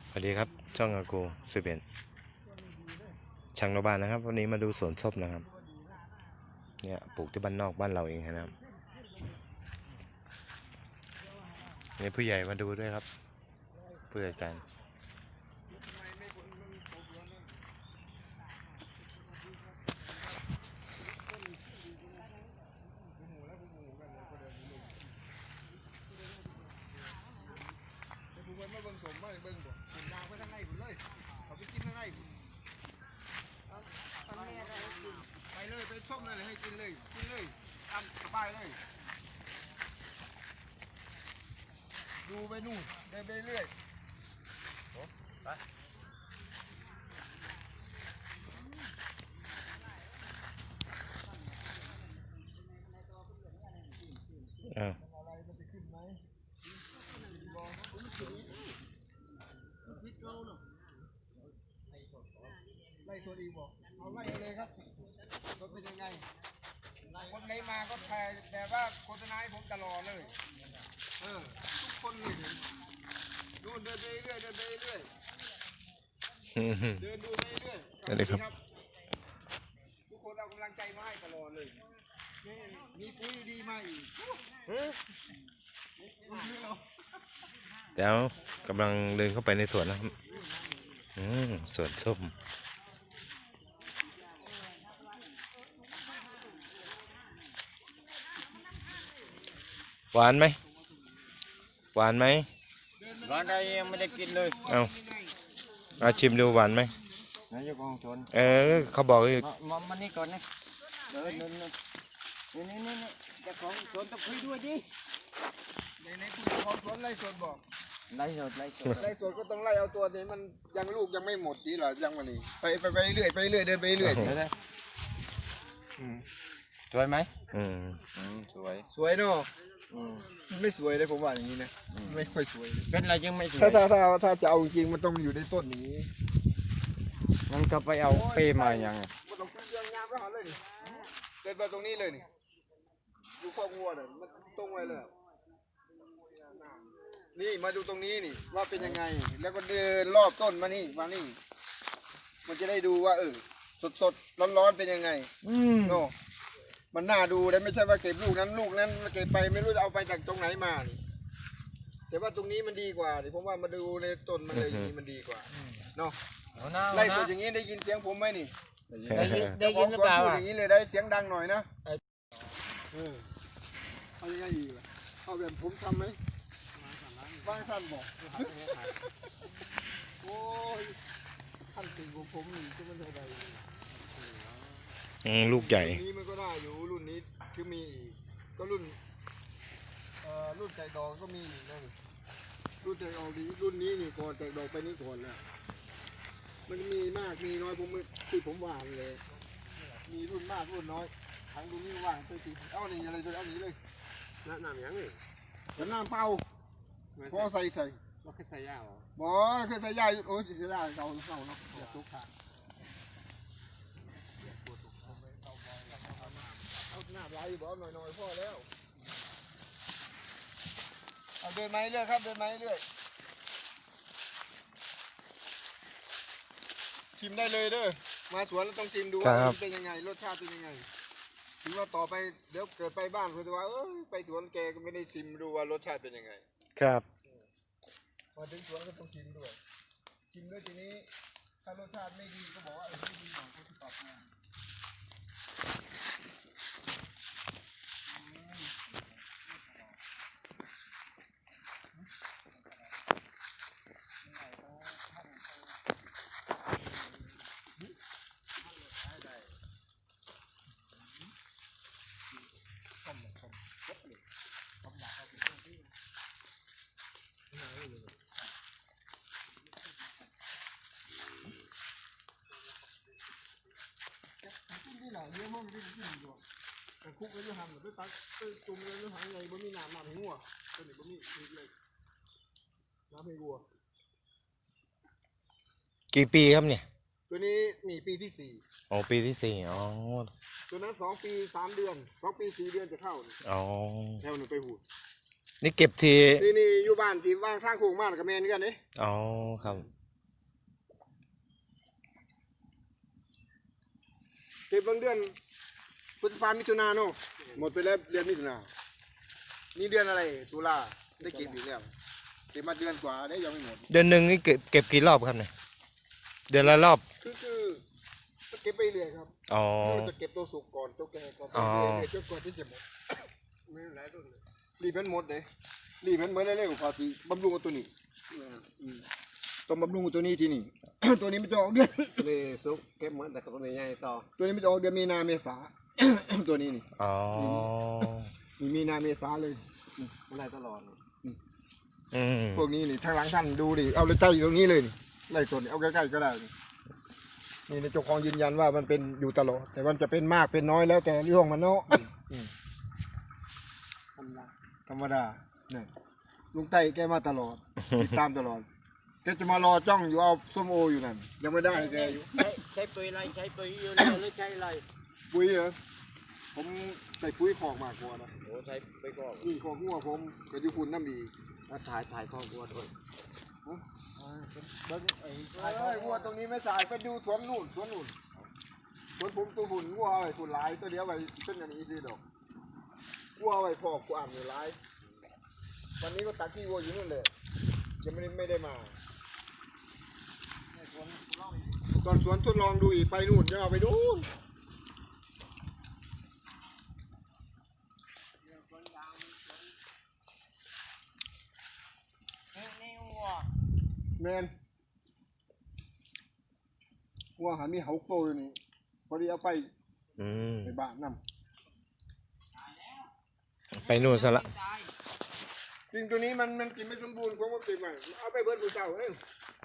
สวัสดีครับช่องอากู11ช่างโนบานนะครับวันนี้มาดูสวนส้มนะครับเนี่ยปลูกที่บ้านนอกบ้านเราเองนะครับนี่ผู้ใหญ่มาดูด้วยครับผู้จัดการไปเลยไปส้มเลยให้กินเลยตามสบายเลยดูไปนู่นเดินไปเรื่อยไปไล่ตัวดีบอกเอาไล่เลยครับรถเป็นยังไงคนไหนมาก็ถ่ายแบบว่าโฆษณาให้ผมตลอดเลยทุกคนเลยนู่นเดินไปเรื่อยเดินไปเรื่อยเดินดูไปเรื่อยครับทุกคนเอากำลังใจมาให้ตลอดเลยมีปุ๋ยดีมาอีกเดี๋ยวกำลังเดินเข้าไปในสวนนะครับสวนส้มหวานไหมหวานไหมร้านใดยังไม่ได้กินเลยเอาชิมดูหวานไหมนายกองชนเขาบอกมานี่ก่อนนะเดินนี่จะของชนต้องคุยด้วยดิในคุยของชนไล่ชนบอกไล่สดก็ต้องไล่เอาตัวนี้มันยังลูกยังไม่หมดดีหรอยังวันนี้ไปเรื่อยเดินไปเรื่อยสวยไหมสวยเนาะไม่สวยเลยผมว่าอย่างนี้นะไม่ค่อยสวยเป็นอะไรยังไม่สวยถ้าจะเอาจริงมันต้องอยู่ในต้นนี้มันก็ไปเอาเปมาอย่างมันต้องเรื่องงามแล้วหาเลยนี่เดินไปตรงนี้เลยนี่ดูข้อวัวเลยมันตรงไว้เลยนี่มาดูตรงนี้นี่ว่าเป็นยังไงแล้วก็เดินรอบต้นมานี่มันจะได้ดูว่าสดร้อนเป็นยังไงโน่มันน่าดูเลยไม่ใช่ว่าเก็บลูกนั้นเก็บไปไม่รู้จะเอาไปจากตรงไหนมาแต่ว่าตรงนี้มันดีกว่าผมว่ามาดูในต้นมันเลยอย่างนี้มันดีกว่าเนาะไล่สดอย่างนี้ได้ยินเสียงผมไหมนี่ได้ยินหรือเปล่าอย่างนี้เลยได้เสียงดังหน่อยนะเอายังไงอีกเอาแบบผมทำไหมบ้างสั้นบอกโอ้ยขั้นถึงของผมนี่ก็มันได้ลูกใหญ่นี้มันก็ได้อยู่รุ่นนี้คือมีก็รุ่นแตกดอกก็มีนั่นรุ่นแตกดอกดีรุ่นนี้นี่ก่อนแตกดอกไปนี่ก่อนแล้วมันมีมากมีน้อยที่ผมวางเลยมีรุ่นมากรุ่นน้อยทั้งรุ่นนี้วางไปติดเอานี่อะไรเลยเอานี้เลยน้ำยังนี่น้ำเปล่าพอใส่ว่าแค่ใส่ยาหรอบ่แค่ใส่ยาโอ้ยใส่ยาเราเนาะทุกทางเอาหน้าไหลบ่หน่อยพ่อแล้วเอาเดินไม้เรื่อยครับเดินไม้เรื่อยชิมได้เลยเด้อมาสวนแล้วต้องชิมดูว่าเป็นยังไงรสชาติเป็นยังไงถึงว่าต่อไปเดี๋ยวเกิดไปบ้านคุณจะว่าไปสวนแกก็ไม่ได้ชิมดูว่ารสชาติเป็นยังไงครับมาถึงสวนก็ต้องชิมด้วยทีนี้ถ้ารสชาติไม่ดีก็บอกว่าไม่ดีหน่อยก็ปรับมาเยอะมากที่ที่อยู่แต่คุกก็จะทำแบบตักจุ่มเลยหางไงบ่มีน้ำให้งัวตัวนี้บ่มีเลยน้ำให้วัวกี่ปีครับเนี่ยตัวนี้มีปีที่4 ปีที่4 ตัวนั้น2 ปี3 เดือน2 ปี 4 เดือนจะเข้าแถวหนึ่งไปหูนี่เก็บทีนี่อยู่บ้านที่ว่างทางโค้งมากกับแม่นี่กันนี่ครับเก็บบางเดือนพฤษภามิถุนาเนาะหมดไปแล้วเดือนมิถุนานี่เดือนอะไรตุลาได้เก็บอีกแล้วเก็บมาเดือนกว่าได้ยังไม่หมดเดือนหนึ่งนี่เก็บกี่รอบครับเนี่ยเดือนละรอบคือก็เก็บไปเรื่อยครับอ๋อมันจะเก็บตัวสุกก่อนตัวแก่ก่อนอ๋อเรื่อยๆจนกว่าที่จะหมดไม่หลายรุ่นเลยรีบมันหมดเลยรีบมันเหมือนเร็วๆพอทีบำรุงกับตัวนี้ต้องบำรุงกับตัวนี้ทีนี่ ตัวนี้มันจะออกเดือนนี่ซุกเก็บเหมือนแต่กับตัวใหญ่ต่อตัวนี้มันจะออกเดือนมีนาเมษา ตัวนี้นี่อ๋อมีนาเมษาเลยมันได้ตลอดอืมพวกนี้นี่ทางหลังท่านดูดิเอาเลยใกล้อยู่ตรงนี้เลยนี่ไล่ตัวนี้เอาใกล้ๆก็ได้นี่ในเจ้าของยืนยันว่ามันเป็นอยู่ตลอดแต่มันจะเป็นมากเป็นน้อยแล้วแต่เรื่องมันเนาะธรรมดาเนี่ยลุงไต้แกมาตลอดติดตามตลอดแกจะมารอจ้องอยู่เอาส้มโออยู่นั่นยังไม่ได้แกอยู่ใช้ปุ๋ยอะไรใช้ปุ๋ยยูเรียหรือใช้อะไรปุ๋ยเหรอผมใส่ปุ๋ยคอกมากกว่านะโอ้ใช้ไปก่อนนี่คอกงัวผมกับยูคุณน้ำดีแล้วถ่ายครอบครัวด้วยเบิ้งไอ้งัวตรงนี้ไม่จ่ายไปดูสวนนู่นสวนผมตัวหุ่นงัวไอ้หุ่นหลายตัวเดียวไว้เป็นอย่างนี้ดีดอกงัวไว้พอกกูอ่านอยู่หลายวันนี้ก็ตักขี้วัวอยู่นู่นเลยยังไม่ได้มาตอนสวนทดลองดูอีกไปนู่นจะเอาไปดูนี่วัวแมนงัวหามีเขาโตอยู่นี่พอดีเอาไปอืมในบ้านนไปนู่นซะละำจริงตัวนี้มันกินไม่สมบูรณ์ผมก็เก็บไว้เอาไปเบิร์ดผู้เจ้าเอง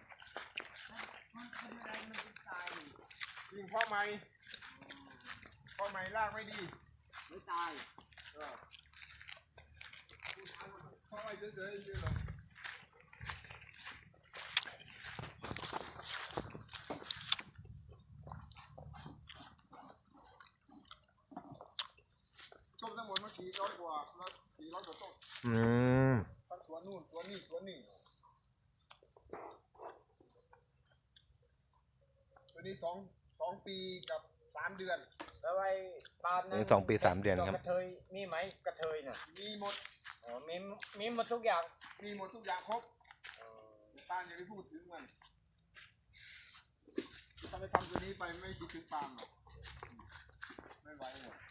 จริงพ่อไม้ลากไม่ดีไม่ตายพ่อไม้เฉยๆหรอต้นทั้งหมดเมื่อกี้400 กว่าแล้ว400 กว่าต้นอืมทั้งสวนนู่นสวนนี่สวนนี่ตัวนี้สองปีกับ3 เดือนแล้วไอ้ปาล์มนี่2 ปี 3 เดือนครับกระเทยมีไหมกระเทยน่ะมีหมดอ๋อมีหมดทุกอย่างมีหมดทุกอย่างครบปาล์มอย่าไปพูดถึงมันถ้าไปทำตัวนี้ไปไม่คิดถึงปาล์มหรอกไม่ไหวหรอก